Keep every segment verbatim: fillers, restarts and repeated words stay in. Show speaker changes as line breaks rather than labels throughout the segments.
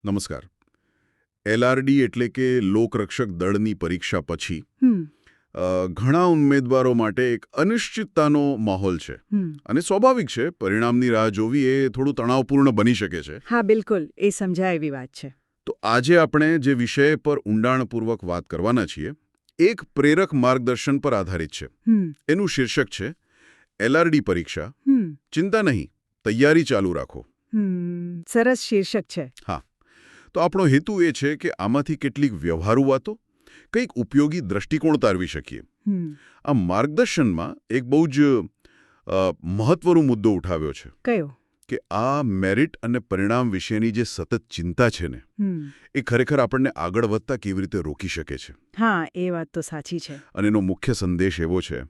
નમસ્કાર. એલઆરડી એટલે કે લોકરક્ષક દળની પરીક્ષા પછી
હમ
અ, ઘણા ઉમેદવારો માટે એક અનિશ્ચિતતાનો માહોલ છે
હમ
અને સ્વાભાવિક છે. પરિણામની રાહ જોવી એ થોડું તણાવપૂર્ણ બની શકે છે.
હા બિલકુલ એ સમજાય એવી વાત છે.
તો આજે આપણે જે વિષય પર ઊંડાણપૂર્વક વાત કરવાના છીએ એક પ્રેરક માર્ગદર્શન પર આધારિત છે.
હમ
એનું શીર્ષક છે એલઆરડી પરીક્ષા,
હમ
ચિંતા નહીં, તૈયારી ચાલુ રાખો.
હમ સરસ શીર્ષક છે.
હા, તો આપણો હેતુ એ છે કે આમાંથી કેટલીક વ્યવહારુ વાતો, કંઈક ઉપયોગી દ્રષ્ટિકોણ તારવી શકીએ.
હમ
આ માર્ગદર્શનમાં એક બહુ જ અ, મહત્વનો મુદ્દો ઉઠાવ્યો છે
કયો?
કે આ મેરિટ અને પરિણામ વિશેની જે સતત ચિંતા છે ને
હમ
એ ખરેખર આપણને આગળ વધતા કેવી રીતે રોકી શકે છે.
હા એ વાત તો સાચી છે.
અને એનો મુખ્ય સંદેશ એવો છે,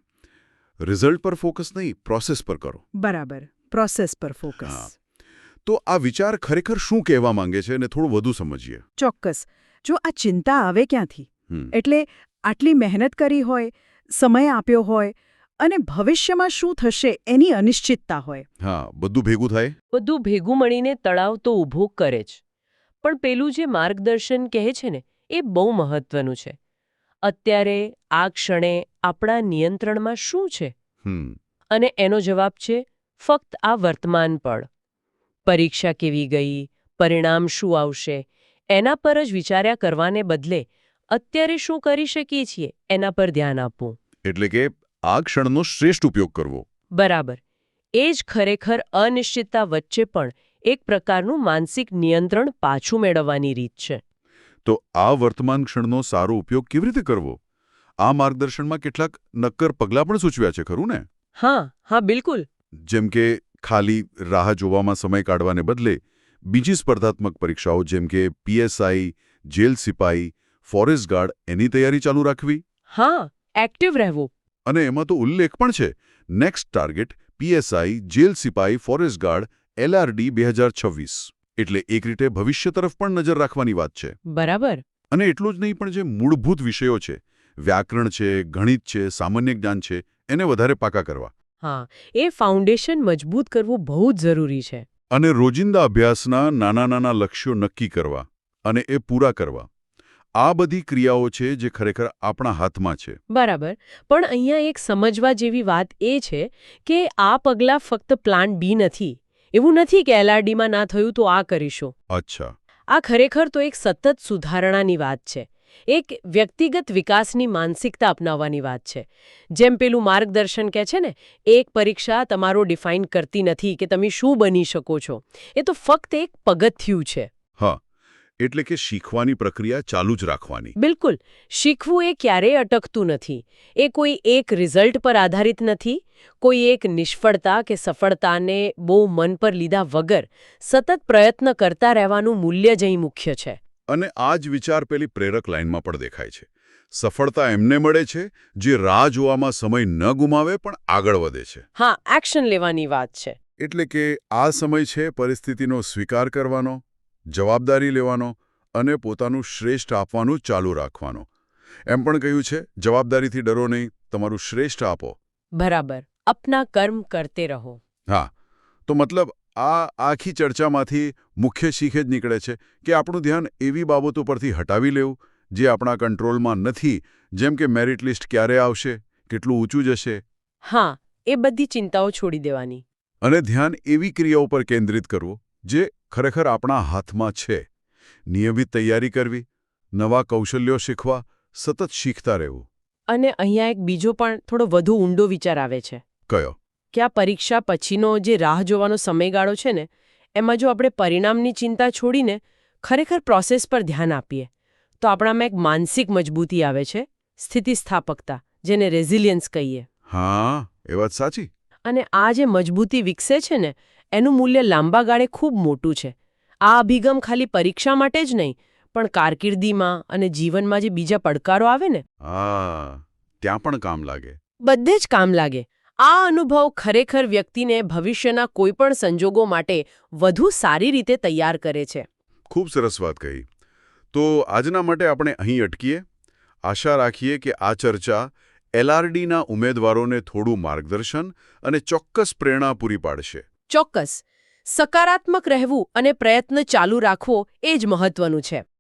રિઝલ્ટ પર ફોકસ નહીં, પ્રોસેસ પર કરો.
બરાબર, પ્રોસેસ પર ફોકસ.
હા. તો આ વિચાર ખરેખર શું કહેવા માંગે છે એને થોડું વધુ સમજીએ.
ચોક્કસ. જો આ ચિંતા આવે ક્યાંથી,
હમ.
એટલે આટલી મહેનત કરી હોય, સમય આપ્યો હોય અને ભવિષ્યમાં શું થશે એની અનિશ્ચિતતા હોય.
હા, બધું ભેગું થાય.
બધું ભેગું મળીને તળાવ તો ઊભો કરે જ. પણ પેલું જે માર્ગદર્શન કહે છે ને એ બહુ મહત્વનું છે. અત્યારે આ ક્ષણે આપણા નિયંત્રણમાં શું છે?
હમ
અને એનો જવાબ છે ફક્ત આ વર્તમાન પળ. પરીક્ષા કેવી ગઈ, પરિણામ શું આવશે, એના પર જ વિચાર્યા કરવાને બદલે અત્યારે શું કરી શકીએ છીએ એના પર ધ્યાન આપવું.
એટલે કે આ ક્ષણનો શ્રેષ્ઠ ઉપયોગ કરવો.
બરાબર. એ જ ખરેખર અનિશ્ચિતતા વચ્ચે પણ એક પ્રકારનું માનસિક નિયંત્રણ પાછું મેળવવાની રીત છે.
તો આ વર્તમાન ક્ષણનો સારો ઉપયોગ કેવી રીતે કરવો? આ માર્ગદર્શનમાં કેટલાક નક્કર પગલાં પણ સૂચવ્યા છે, ખરું ને?
હા હા બિલકુલ.
જેમ કે ખાલી રાહ જોવામાં સમય કાઢવાને બદલે બીજી સ્પર્ધાત્મક પરીક્ષાઓ જેમ કે પીએસઆઈ, જેલ સિપાઈ, ફોરેસ્ટ ગાર્ડ એની તૈયારી ચાલુ રાખવી.
હા, એક્ટિવ રહેવું.
અને એમાં તો ઉલ્લેખ પણ છે, નેક્સ્ટ ટાર્ગેટ પીએસઆઈ, જેલ સિપાઈ, ફોરેસ્ટ ગાર્ડ, એલઆરડી બે હજાર છવ્વીસ. એટલે એક રીતે ભવિષ્ય તરફ પણ નજર રાખવાની વાત છે.
બરાબર.
અને એટલું જ નહીં, પણ જે મૂળભૂત વિષયો છે, વ્યાકરણ છે, ગણિત છે, સામાન્ય જ્ઞાન છે, એને વધારે પાકા કરવા.
હા, એ ફાઉન્ડેશન મજબૂત કરવું બહુ જ જરૂરી છે.
અને રોજિંદા અભ્યાસના નાના નાના લક્ષ્યો નક્કી કરવા અને એ પૂરા કરવા. આ બધી ક્રિયાઓ છે જે ખરેખર આપણા હાથમાં છે.
બરાબર. પણ અહીંયા એક સમજવા જેવી વાત એ છે કે આ પગલાં ફક્ત પ્લાન બી નથી. એવું નથી કે એલઆરડીમાં ના થયું તો આ કરીશું.
અચ્છા.
આ ખરેખર તો એક સતત સુધારણાની વાત છે. એક વ્યક્તિગત વિકાસની માનસિકતા અપનાવવાની વાત છે. જેમ પેલું માર્ગદર્શન કહે છે ને, એક પરીક્ષા તમારો ડિફાઇન કરતી નથી કે તમે શું બની શકો છો. એ તો ફક્ત એક પગથિયું છે.
હા, એટલે કે શીખવાની પ્રક્રિયા ચાલુ જ રાખવાની.
બિલકુલ. શીખવું એ ક્યારેય અટકતું નથી. એ કોઈ એક રિઝલ્ટ પર આધારિત નથી. કોઈ એક નિષ્ફળતા કે સફળતાને બહુ મન પર લીધા વગર સતત પ્રયત્ન કરતા રહેવાનું મૂલ્ય જ અહીં મુખ્ય છે.
અને આ જ વિચાર પેલી પ્રેરક લાઇનમાં પણ દેખાય છે. સફળતા એમને મળે છે જે રાહ જોવામાં સમય ન ગુમાવે પણ આગળ વધે છે.
હા, એક્શન લેવાની વાત છે.
એટલે કે આ સમય છે પરિસ્થિતિનો સ્વીકાર કરવાનો, જવાબદારી લેવાનો અને પોતાનું શ્રેષ્ઠ આપવાનું ચાલુ રાખવાનો. એમ પણ કહ્યું છે, જવાબદારીથી ડરો નહીં, તમારું શ્રેષ્ઠ આપો.
બરાબર. અપના કર્મ કરતે રહો.
હા, તો મતલબ આ આખી ચર્ચામાંથી મુખ્ય શીખ જ નીકળે છે કે આપણું ધ્યાન એવી બાબતો પરથી હટાવી લેવું જે આપણા કંટ્રોલમાં નથી, જેમ કે મેરિટ લિસ્ટ ક્યારે આવશે, કેટલું ઊંચું જશે.
હા, એ બધી ચિંતાઓ છોડી દેવાની.
અને ધ્યાન એવી ક્રિયાઓ પર કેન્દ્રિત કરવું જે ખરેખર આપણા હાથમાં છે. નિયમિત તૈયારી કરવી, નવા કૌશલ્યો શીખવા, સતત શીખતા રહેવું.
અને અહીંયા એક બીજો પણ થોડો વધુ ઊંડો વિચાર આવે છે
કયો?
કે આ પરીક્ષા પછીનો જે રાહ જોવાનો સમયગાળો છે ને, એમાં જો આપણે પરિણામની ચિંતા છોડીને ખરેખર પ્રોસેસ પર ધ્યાન આપીએ તો આપણામાં એક માનસિક મજબૂતી આવે છે, સ્થિતિસ્થાપકતા, જેને રેઝિલિયન્સ કહીએ.
હા, એ વાત સાચી.
અને આ જે મજબૂતી વિકસે છે ને એનું મૂલ્ય લાંબા ગાળે ખૂબ મોટું છે. આ અભિગમ ખાલી પરીક્ષા માટે જ નહીં પણ કારકિર્દીમાં અને જીવનમાં જે બીજા પડકારો આવે ને
હા, ત્યાં પણ કામ લાગે.
બધે જ કામ લાગે. આ અનુભવ ખરેખર વ્યક્તિને ભવિષ્યના કોઈપણ સંજોગો માટે વધુ સારી રીતે તૈયાર કરે છે.
ખૂબ સરસ વાત કહી. તો આજના માટે આપણે અહીં અટકીએ. આશા રાખીએ કે આ ચર્ચા એલઆરડીના ઉમેદવારોને થોડું માર્ગદર્શન અને ચોક્કસ પ્રેરણા પૂરી પાડશે.
ચોક્કસ. સકારાત્મક રહેવું અને પ્રયત્ન ચાલુ રાખવો એ જ મહત્વનું છે.